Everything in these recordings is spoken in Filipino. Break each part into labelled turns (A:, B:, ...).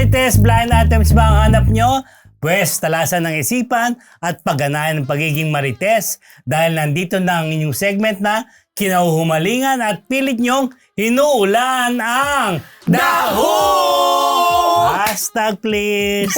A: Marites, blind items ba ang hanap nyo? Pwes, talasan ng isipan at pagganahan ng pagiging Marites dahil nandito na ang inyong segment na kinahuhumalingan at pilit nyong hinuulan ang DAHO! Hashtag please!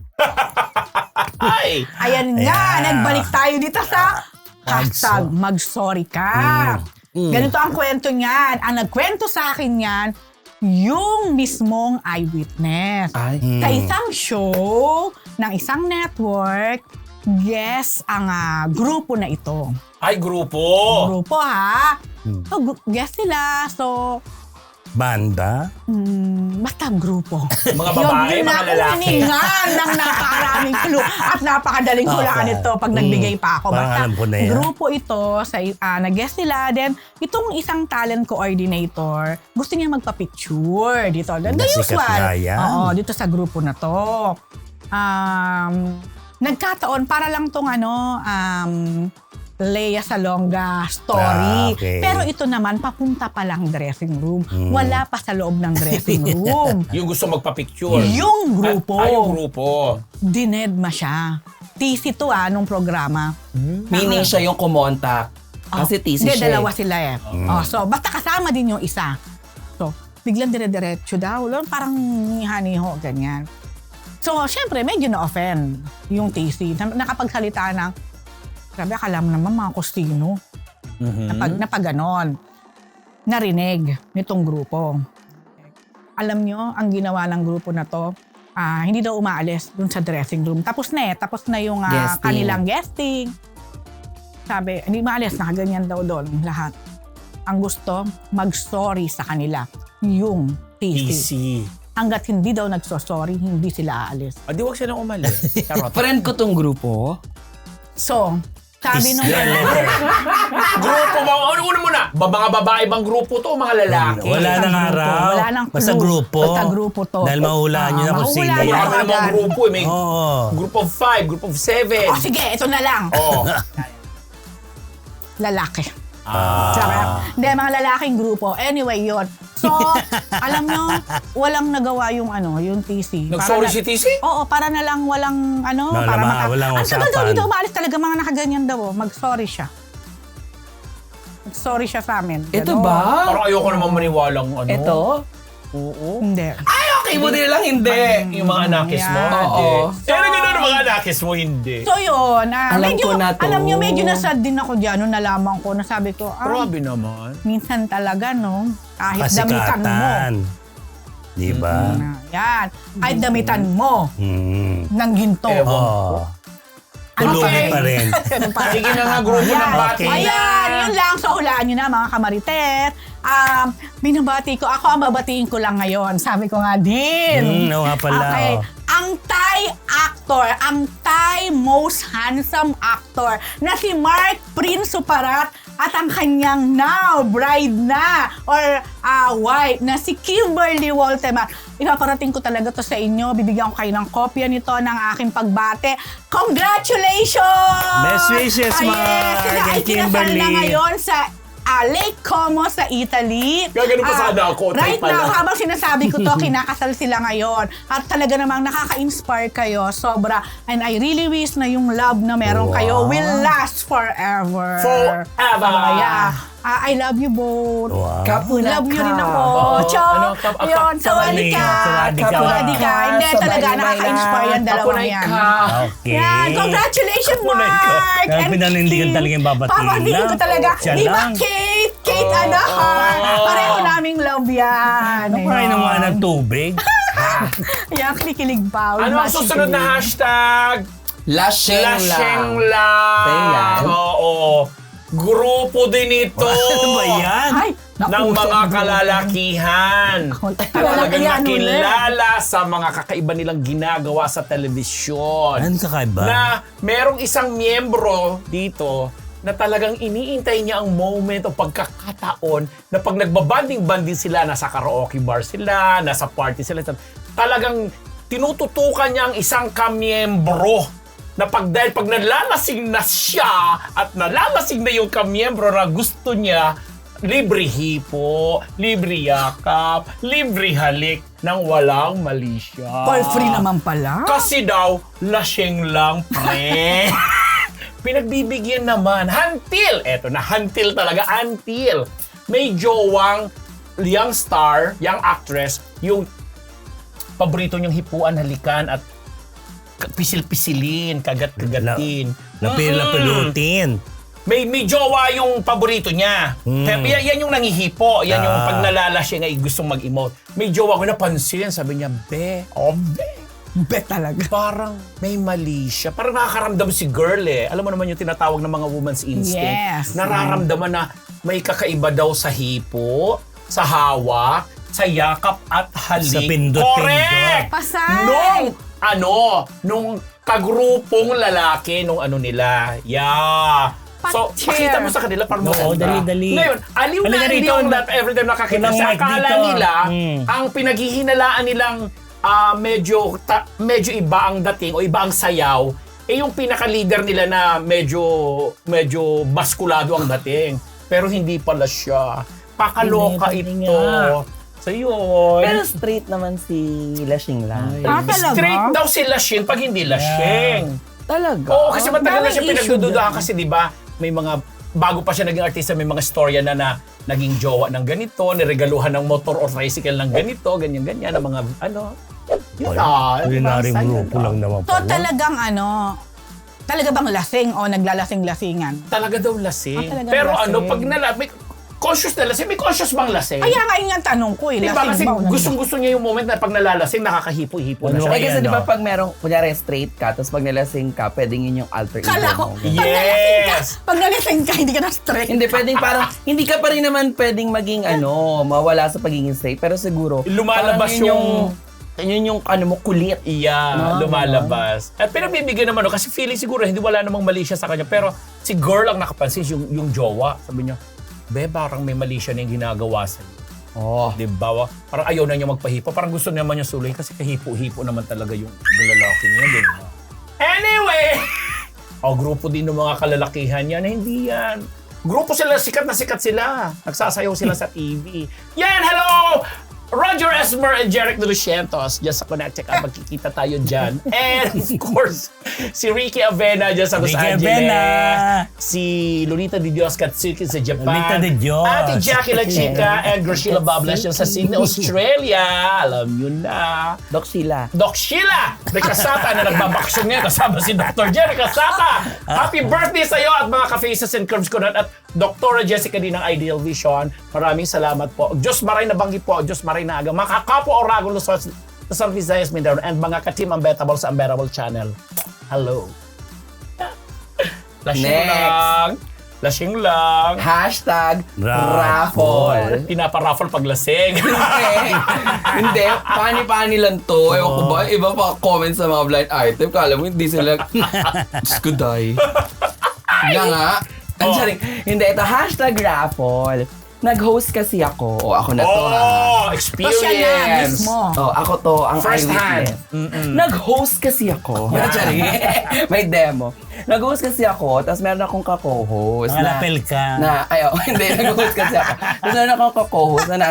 B: Ay!
C: Ayan nga, nagbalik tayo dito sa hashtag magsorry ka. Ganito ang kwento niyan. Ang nagkwento sa akin yan, yung mismong eyewitness. Sa isang show ng isang network, guest ang grupo na ito.
B: Ay, grupo!
C: Grupo ha. So, guest sila. So,
A: Banda?
C: basta grupo.
B: Mga babae, mga lalaki.
C: Yun na ng napakaraming clue at napakadaling hulaan ito pag nagbigay pa ako.
A: Parang
C: Basta
A: alam ko na yan.
C: grupo ito, nag-guest sila. Then, itong isang talent coordinator, gusto niya magpa-picture dito. The
A: Sikat
C: usual.
A: nga yan.
C: Oo, dito sa grupo na to. Nagkataon, para lang tong Lea Salonga story.
A: Okay.
C: Pero ito naman, papunta pa lang dressing room. Wala pa sa loob ng dressing room.
B: Yung gusto magpa-picture.
C: Yung grupo.
B: Yung grupo.
C: Dinedma siya. TC to nung programa.
D: Meaning siya yung kumontak. Kasi thesis
C: Hindi,
D: siya.
C: dalawa sila eh. So, basta kasama din yung isa. So, biglang dire-diretso daw. Parang niha-niho, ganyan. So, syempre, medyo na-offend yung TC. Nakapagsalita ng, sabi, akala mo naman mga kustino. Napag ganon. Narinig nitong grupo. Alam nyo, ang ginawa ng grupo na to, hindi daw umaalis dun sa dressing room. Tapos na yung
D: Guesting.
C: kanilang guesting. Sabi, hindi maalis, nakaganyan daw doon lahat. Ang gusto, mag-sorry sa kanila. Yung TC.
B: Easy.
C: Hanggat hindi daw nagsosorry, hindi sila aalis.
B: Di wag siya nang umalis. Charot.
D: Friend ko tong grupo.
C: So, sabi nung
B: Grupo ba? Una muna. Mga babae bang grupo to o mga lalaki?
A: Wala nang araw.
C: Wala nang clue.
A: Basta grupo.
C: Basta grupo to.
A: Dahil mahulaan nyo na kung sino.
C: mahuhulaan
B: Wala
C: nyo
B: kami ng mga
C: agad.
B: grupo. May
A: Oo.
B: group of 5, group of 7.
C: Oh, sige, ito na lang.
B: Oh.
C: Lalaki. Sarap. Hindi, mga lalaking grupo. Anyway, yun. So, alam nyo, walang nagawa yung TC.
B: Nag-sorry si TC?
C: Oo, para na lang walang
A: Wala, walang
C: Ang tagal daw
A: usapan.
C: dito umalis talaga, mga nakaganyan daw. Mag-sorry siya. Mag-sorry siya sa amin.
D: Ito
C: Ganon.
D: ba?
B: Parang ayoko naman maniwalang
D: Ito?
B: Oo.
C: Hindi.
D: Ay, okay mo din lang hindi.
B: Yung mga anakis mo?
C: Yan.
B: Hindi.
D: Oo.
B: Pero gano'n ang mga anakis mo, hindi.
C: So yun,
D: Alam
C: medyo,
D: ko na to.
C: alam nyo, medyo nasad din ako dyan nung nalaman ko na sabi ko,
B: Grabe naman.
C: minsan talaga, no? Kahit damitan mo.
A: Kasikatan. Di ba?
C: Yan. Kahit damitan mo ng ginto.
B: Ewan.
A: Oo. Tulungin pa rin.
B: Sige na nga, grupo ng bati.
C: Ayan, yun lang. So, hulaan nyo na, mga kamaritet. Binabati ko. Ako ang babatiin ko lang ngayon. Sabi ko nga din.
A: Oo nga pala.
C: Okay.
A: Oh.
C: Ang Thai actor, ang Thai most handsome actor na si Mark Prince Suparat at ang kanyang now bride na or wife na si Kimberly Walteman. Ipaparating ko talaga to sa inyo. Bibigyan ko kayo ng kopya nito ng aking pagbate. Congratulations!
A: Best wishes, Mark
C: Sila ay
A: and Kimberly.
C: kinasal na ngayon sa Lake Como sa Italy.
B: Gaganon pa sana ako,
C: Right
B: type pala.
C: now, habang sinasabi ko to, kinakasal sila ngayon. At talaga namang nakaka-inspire kayo. Sobra. And I really wish na yung love na meron kayo will last forever.
B: Forever.
C: Yeah. I love you both.
A: Wow.
C: Love you rin ako.
B: Oo.
C: Cho.
B: Ano,
C: Yun, sawali ka.
A: Sawadi ka.
C: Sawadi ka. Hindi, talaga nakaka-inspire yung dalawang
B: Papunay
C: yan.
B: ka.
A: Okay.
C: Yan, congratulations,
A: Kapunay ka.
C: Mark!
A: Kaya
C: and
A: pinanindigan
C: Kim.
A: talaga yung babatiin
C: Papatingin
A: lang.
C: ko talaga.
A: Siya
C: Di ba,
A: lang.
C: Kate and Har? Pareho naming love yan.
A: Nakuhain ng mga ng tubig.
C: Yan, kinikilig pa.
B: Ano ang susunod na hashtag?
D: Lasheng
B: Lasheng
D: lang. Yan.
B: lang. Oo. Grupo din ito.
A: Ano ba yan?
C: Ay,
B: ng mga kalalakihan. Talagang
C: Kalalakihan ulit.
B: nakilala sa mga kakaiba nilang ginagawa sa telebisyon.
A: Ano kakaiba?
B: Na merong isang miyembro dito na talagang iniintay niya ang moment o pagkakataon na pag nagbabanding-banding sila, nasa karaoke bar sila, nasa party sila, talagang tinututukan niya ang isang kamiyembro na dahil pag nalalasing na siya at nalalasing na yung kamiyembro na gusto niya, libre hipo, libre yakap, libre halik nang walang mali siya.
C: For free naman pala.
B: Kasi daw, lasing lang, pre. Pinagbibigyan naman. Eto na, until talaga, until. May jowang young star, young actress, yung paborito niyang hipuan, halikan, at pisil-pisilin, kagat-kagatin.
A: Napil-napilutin.
B: May jowa yung paborito niya. Kaya yan yung nangihipo. Yan yung pag nalala siya nga gustong mag-emote. May jowa ko napansin. Sabi niya, be.
C: Bet talaga.
B: Parang may mali siya. Parang nakakaramdam si girl eh. Alam mo naman yung tinatawag ng mga woman's instinct.
C: Yes.
B: Nararamdaman na may kakaiba daw sa hipo, sa hawak, sa yakap at halik.
A: Sa pindot-pindot.
B: Correct!
C: Pasay!
B: Nung kagrupong lalaki nung ano nila. Yeah. So,
C: Patcher.
B: pakita mo sa kanila parang
A: Oo,
B: maganda.
A: dali-dali.
B: Ngayon, aliw na
A: Halika
B: aliw
A: rito.
B: that every time nakakita
A: Walang
B: sa
A: mic
B: akala
A: dito.
B: nila,
A: Mm.
B: ang pinaghihinalaan nilang medyo iba ang dating o iba ang sayaw, yung pinaka-leader nila na medyo maskulado ang dating. Pero hindi pala siya. Pakaloka
A: Hindi
B: ito.
A: nga.
B: So yun.
D: Pero straight naman si Lashing lang.
C: Talaga?
B: Straight daw si Lashing pag hindi Lashing.
D: Talaga?
B: Oo, kasi matagal na siya
C: daming issue
B: pinagdududahan
C: dyan.
B: kasi 'di ba, may mga bago pa siya naging artista, may mga storya na naging jowa ng ganito, niregaluhan ng motor or tricycle ng ganito, ganyan-ganyan, ng mga ano. Yun
A: Kulinary grupo lang naman
C: So
A: pala.
C: talagang talaga bang lasing o naglalasing-lasingan?
B: Talaga daw lasing.
C: Talagang
B: Pero
C: lasing.
B: pag may conscious na lasing, may conscious bang lasing?
C: Kaya nga yun ang tanong ko eh.
B: Diba kasi
C: Lasing ba o
B: gustong-gusto niya yung moment na pag nalalasing, nakakahipo-hipo na
A: Ano
B: siya.
D: Eh kasi
A: Ayan,
D: di ba
A: oh.
D: pag merong, kunyari straight ka, tapos pag nalasing ka, pwedeng yun yung alter ego
C: Kala ko,
D: mo.
B: Yes!
C: pag nalasing ka, hindi ka na straight.
D: Hindi, pwedeng parang, hindi ka pa rin naman pwedeng maging mawala sa pagiging straight. Pero siguro,
B: Lumalabas
D: parang yun yung mo, kulit.
B: Yeah,
D: No,
B: lumalabas. At pinagbibigyan naman, kasi feeling siguro, hindi wala namang mali siya sa kanya. Pero si girl ang nakapansin, yung jowa. Sabi niya, be, parang may mali siya na yung ginagawa sa'yo.
D: Oh.
B: Di ba? Parang ayaw na niya magpahipo. Parang gusto naman niya suluhin kasi kahipo-hipo naman talaga yung lalaki niya. Di ba? Anyway! Grupo din ng mga kalalakihan yan. Hindi yan. Grupo sila, sikat na sikat sila. Nagsasayaw sila sa TV. Yan! Hello! Roger Esmer and Jeric de Lucientos dyan sa Connect. Check out, magkikita tayo dyan. And of course, si Ricky Avena dyan sa Los
A: Ricky
B: Angeles.
A: Avena.
B: Si Lolita Di Dios Katsuki sa Japan.
A: Lolita Di Dios.
B: Ate Jackie La Chica and Graciela Bablas dyan sa Sydney, Australia. Alam yun na.
D: Doc Sheila.
B: Doc Sheila de Casata na nagbabaksyon ngayon kasama si Dr. Jerry Casata. Happy birthday sa'yo at mga ka-faces and curves ko na. At Dr. Jessica din ng Ideal Vision. Maraming salamat po. Diyos maray na banggi po. Diyos maray na aga. Mga kakapo Orago Luzon, Luzon, Visayas, Mindanao, and mga ka-team Unbettable sa Unbettable Channel. Hello. Lasing
D: Next.
B: lang. Lasing lang.
D: Hashtag
A: Raffle.
D: raffle.
B: Pinaparaffle pag lasing.
D: Hindi, pani-pani lang to. Ewan ko ba, iba pa comment sa mga blind item. Kala mo, hindi sila, Diyos ko, day. Nga nga. Ang saring, hindi, ito, hashtag raffle. Nag-host kasi ako. O, ako na to, ha?
B: Experience.
C: So siya na mismo.
D: Oh, ako to, ang
B: First
D: eyewitness.
B: hand.
D: Nag-host kasi ako. Sorry. May demo. Nag-host kasi ako, tapos meron akong ka-co-host.
A: Nangalapel ka.
D: Hindi, nag-host kasi ako. Tapos meron akong ka-co-host na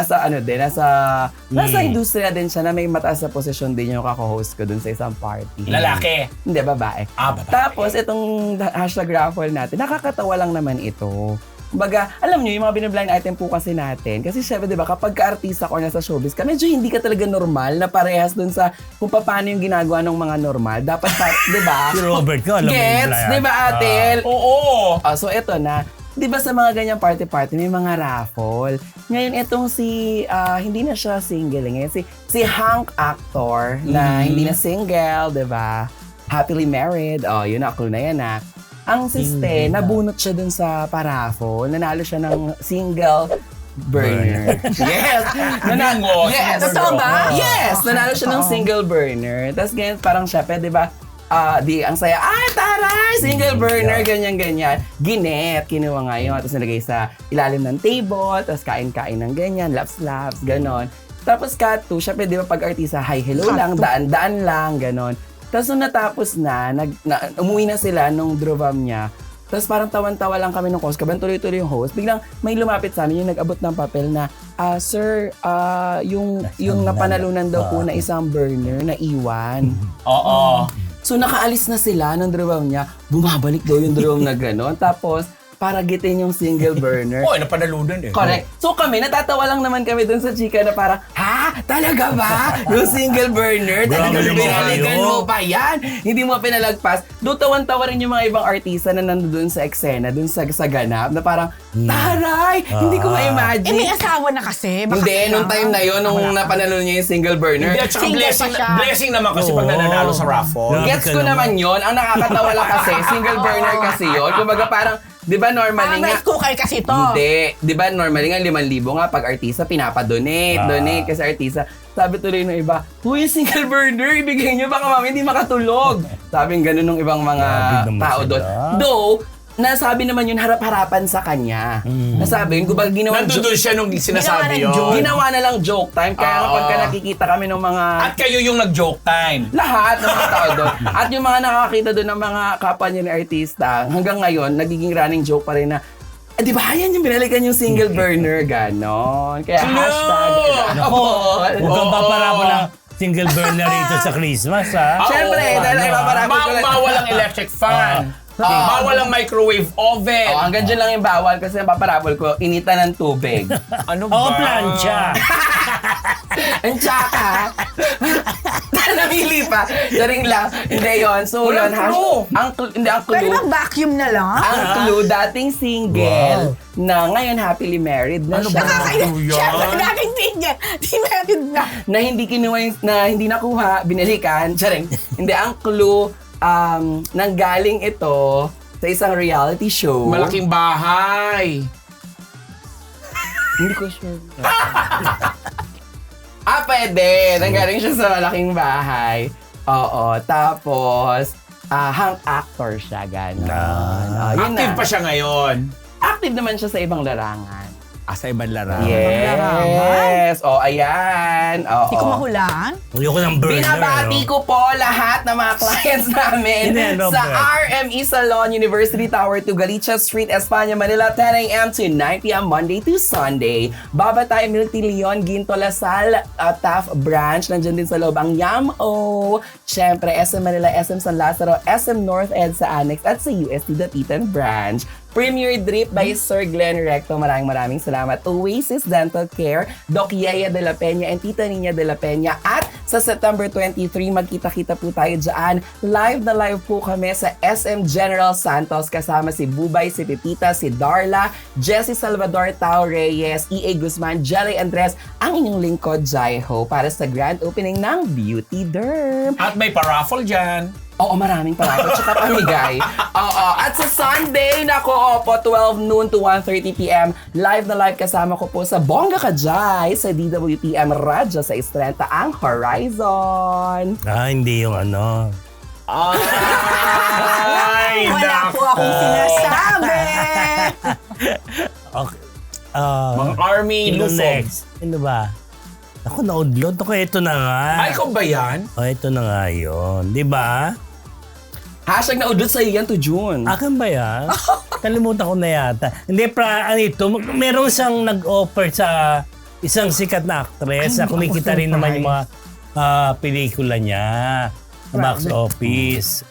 D: nasa industriya din siya na may mataas na posisyon din yung ka-co-host ko dun sa isang party.
B: Lalaki.
D: Hindi, babae.
B: Babae.
D: Tapos, itong hashtag raffle natin, nakakatawa lang naman ito. Kumbaga, alam nyo, yung mga binablind item po kasi natin, kasi syempre, di ba, kapag ka-artista ko nasa showbiz ka, medyo hindi ka talaga normal na parehas dun sa kung paano yung ginagawa ng mga normal. Dapat, di ba?
A: Si Robert ko, alam mo yung
D: Gets?
A: blind.
D: Di ba, Atel?
B: Oo.
D: So, eto na. Di ba sa mga ganyang party-party, may mga raffle. Ngayon, itong hindi na siya single. Ngayon, si Hank Actor, na hindi na single, di ba? Happily married. Yun na, clue na yan, ha? Ang siste, nabunot siya dun sa paraffle. Nanalo siya ng single burner. Yes!
B: Bingo.
D: Yes!
C: Totoo ba?
D: Yes! Nanalo siya ng
C: Totoo.
D: single burner. Tapos ganyan, parang siya, di ba? Ang saya, taray! Single burner, ganyan-ganyan. Kinuha nga yun. Tapos nilagay sa ilalim ng table, tapos kain-kain ng ganyan, laps-laps, ganon. Tapos cut to, syempre, di ba, pag artista, hi, hello lang, daan-daan lang, ganon. Tapos nung natapos na, umuwi na sila nung drovam niya, Tapos parang tawan-tawa lang kami ng host, kabang tuloy-tuloy yung host. Biglang may lumapit sa amin yung nag-abot ng papel na, sir, yung napanalunan daw po na isang burner na iwan.
B: Oo.
D: So nakaalis na sila ng drum niya, bumabalik daw yung drum na gano'n. Tapos para gitin yung single burner.
B: Oo, napanalunan eh.
D: Correct. So kami, natatawa lang naman kami dun sa chika na parang, ha? Talaga ba? Yung single burner? Talaga
A: Grabe naman
D: binaligan
A: kayo.
D: mo pa yan? Hindi mo pinalagpas. Doon tawan-tawa rin yung mga ibang artista na nandun sa eksena, dun sa ganap, na parang, taray! Hindi ko ma-imagine.
C: may asawa na kasi. Baka
D: Hindi, nung
C: kailangan.
D: time na yun, nung napanalo niya yung single burner.
B: Hindi, at saka
C: Single pa
B: blessing,
C: siya.
B: blessing naman kasi pag
A: Oo.
B: nananalo sa raffle.
A: Grabe
D: Gets
A: ka
D: ko
A: naman.
D: naman yun. Ang nakakatawa lang kasi, single burner kasi yun. Kumbaga parang, di ba normally
C: Parang
D: nga,
C: rice cooker kasi to.
D: hindi. Di ba normally nga 5,000 nga pag artista pinapadonate. Donate kasi artista. Sabi tuloy ng iba, yung single burner, ibigay nyo baka mami hindi makatulog. Sabing ganun ng ibang mga
A: Grabe naman
D: tao
A: sila.
D: doon. Though, nasabi naman yun harap-harapan sa kanya. Nasabi yun, kumbaga ginawa
B: Nandun siya nung sinasabi
C: Ginawa ng
B: yun.
D: ginawa na lang joke time. Kaya
B: Oo.
D: kapag ka nakikita kami ng mga
B: At kayo yung nag-joke time.
D: lahat ng mga tao doon. At yung mga nakakita doon ng mga kapwa niya ni artista, hanggang ngayon, nagiging running joke pa rin na, di ba yan yung binalikan yung single burner, ganon. Kaya
B: Hello!
D: hashtag.
A: Nako, huwag kang
B: Oo.
A: paparabo ng single burner rito sa Christmas, ha?
D: Siyempre,
B: Oo,
D: dahil
A: ano,
D: ipaparapit ko lang.
B: Bawal ang electric fan. Bawal ang microwave oven.
D: Oh, hanggang dyan lang yung bawal kasi ang paparabol ko, inita ng tubig.
B: Ano ba?
A: Oo, plancha.
D: Ang tsaka. Namili pa. Daring lang. Hindi yun. So,
B: Walang
D: yun.
B: clue.
D: Hindi, ang
C: Pwede
D: clue.
C: bang vacuum na lang?
D: Ang clue, dating single na ngayon happily married na
B: Ano
D: siya.
B: ba? Ano
C: Siyempre,
B: yan?
C: dating tingin. Di meron na.
D: Na hindi kinuha, na hindi nakuha, binalikan. Charing. Hindi, ang clue, nanggaling ito sa isang reality show.
B: Malaking bahay.
D: Hindi ko sure. Pwede. Nanggaling siya sa malaking bahay. Oo. Tapos, hang actor siya, gano'n. Yun
B: Active
D: na.
B: pa siya ngayon.
D: Active naman siya sa ibang larangan.
B: Sa ibang larangan.
D: Yes. Ayan. Oo.
C: Hindi ko mahulaan.
A: Ayoko ng burner,
D: Binabati
A: ano?
D: ko po lahat ng mga clients namin
A: Hindi, no,
D: sa
A: Brad.
D: RME Salon, University Tower to Galicia Street, Espanya, Manila, 10 a.m. to 9 p.m. Monday to Sunday. Babatay, Milk Tea Leon, Ginto Lasal, Taft Branch. Nandyan din sa loob ang Yam-O. Siyempre, SM Manila, SM San Lazaro, SM North Ed sa Annex at sa UST Dapitan Branch. Premier Drip by Sir Glenn Recto. Maraming salamat. Oasis Dental Care, Doc Yaya de la Peña and Tita Nina de la Peña. At sa September 23, magkita-kita po tayo dyan. Live na live po kami sa SM General Santos kasama si Bubay, si Pepita, si Darla, Jessie Salvador Tao Reyes, EA Guzman, Jelly Andres, ang inyong lingkod, Jaiho, para sa grand opening ng Beauty Derm.
B: At may paraffle dyan.
D: Oo, maraming pala. Tsaka pamigay. Oo. At sa Sunday, nako, po, 12 noon to 1:30 p.m. Live na live kasama ko po sa Bongga Kajay sa DWTM Radyo sa Estrenta ang Horizon.
A: Hindi yung ano.
B: Ay,
C: Wala
B: nako.
C: po akong sinasabi.
A: Okay.
B: Mga army
A: Sino
B: lusog.
A: next? Ano ba? Ako, naudlot. Ako, ito na nga.
B: Ay, ikaw ba yan?
A: Ito na nga yun. Di ba?
D: Hashtag naudot sa iyan to June.
A: Akin ba yan? Kalimutan ko na yata. Hindi, ano ito, meron siyang nag-offer sa isang sikat na actress na kumikita rin naman yung mga pelikula niya sa box office.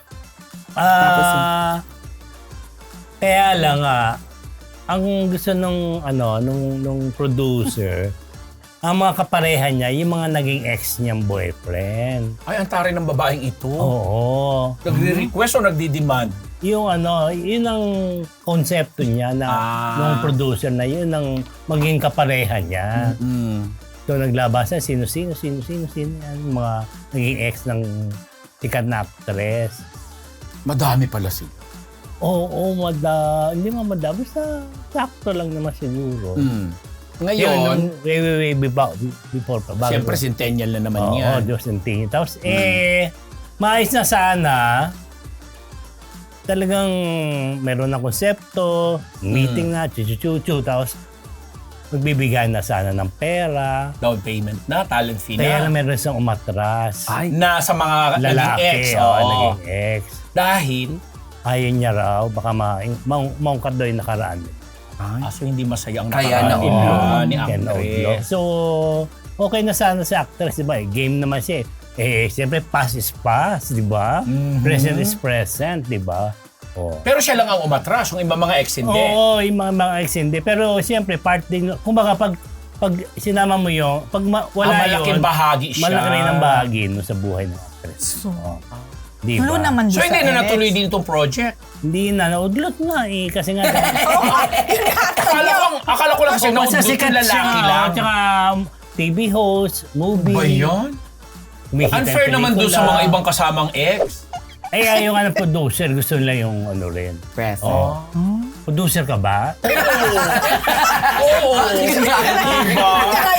A: Kaya lang ang gusto nung producer, ang mga kapareha niya, yung mga naging ex niyang boyfriend.
B: Ay, ang taray ng babaeng ito.
A: Oo.
B: Nagre-request o nagdi-demand?
A: Yung yun ang konsepto niya na ng producer na yun ang maging kapareha niya. So naglabas na sino yan, mga naging ex ng sikat na actress.
B: Madami pala sila.
A: Oo, hindi madami, basta sakto lang naman siguro.
B: Ngayon,
A: Way before pa. Bago
B: siyempre centennial na naman yan.
A: Oo, Diyos ng tingin. Tapos maayos na sana. Talagang meron na konsepto, meeting na, chuchu-chuchu, tapos magbibigay na sana ng pera.
B: Down payment na, talent fee
A: Kaya na
B: na.
A: meron isang umatras.
B: Na sa mga naging
A: Lalaki,
B: ex.
A: oo,
B: Oo.
A: naging ex.
B: Dahil,
A: ayaw niya raw, baka maungkat daw yung nakaraan.
B: So hindi masaya ang
D: Kaya
B: nakaraan
D: na-
B: ni
A: Ken Odlo.
B: actress.
A: So, okay na sana si actress, di ba? Game naman siya. Siyempre, past is past, di ba? Present is present, di ba? Oh.
B: Pero siya lang ang umatras, yung ibang mga ex hindi.
A: Oo, yung mga ex hindi. Pero siyempre, part din, kumbaga pag sinama mo yung, wala
B: malaking
A: yun,
B: bahagi siya.
A: malaki rin ang bahagi no, sa buhay ng actress.
C: So,
A: Di
C: Clue
A: ba?
C: naman
B: So
C: doon
B: hindi
C: sa
B: na
C: ex.
B: natuloy din itong project.
A: Hindi na, naudlot na eh. Kasi nga,
B: Akala ko lang kasi
A: basta
B: naudlot
A: sikat
B: yung lalaki
A: siya.
B: lang.
A: Tsaka TV host, movie.
B: Ba yan?
A: kumikita
B: Unfair
A: ng
B: naman doon sa
A: pelikula.
B: mga ibang kasamang ex.
A: Yung producer, gusto nila yung ano rin.
D: Present.
A: Oh. Producer ka ba?
B: Oo. Diba?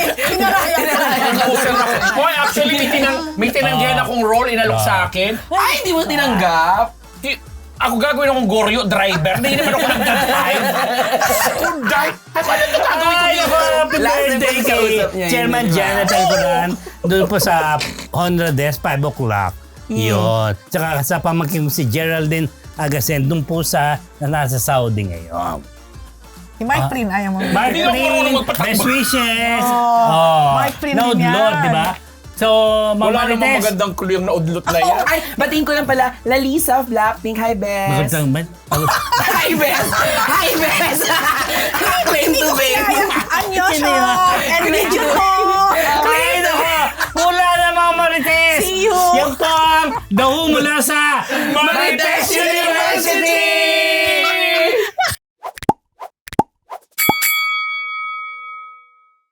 B: Hoy, actually, may tinanggihan akong role inalok sa akin.
D: Ay, hindi mo tinanggap?
B: Ako gagawin akong goryo driver. Hindi naman ako nag-drive. Drive? Ano ito gagawin ko dito?
A: Happy
D: Last
A: birthday
D: time
A: kay
D: kausap niya,
A: Chairman
D: yun, di ba?
A: Jonathan Coran. Doon po sa Honra Desk, 5 o'clock. Yun. Tsaka sa pamangkin ko si Geraldine Agasen, doon po sa nasa Saudi ngayon.
C: Si Mark Prin, ayaw mo.
A: Mark
B: Hindi ako marunong
A: Prin,
B: magpatakbo.
A: best wishes.
C: Mark Prin din
A: Naudlot,
C: yan.
A: di ba? So,
B: Wala
A: Mama
B: namang
A: Marites.
B: magandang clue yung naudlot na yan.
D: Ay, batiin ko lang pala, Lalisa of Blackpink. Hi, Bes.
A: Magandang ba?
D: Hi, Bes. Hi, Bes. Claim to fame.
C: Anyo
A: Sino
C: siya!
A: yun?
C: And medyo ko!
A: Ay, nako! Wala na mga Marites!
C: See you!
A: Yan po ang daho mula sa Marites University!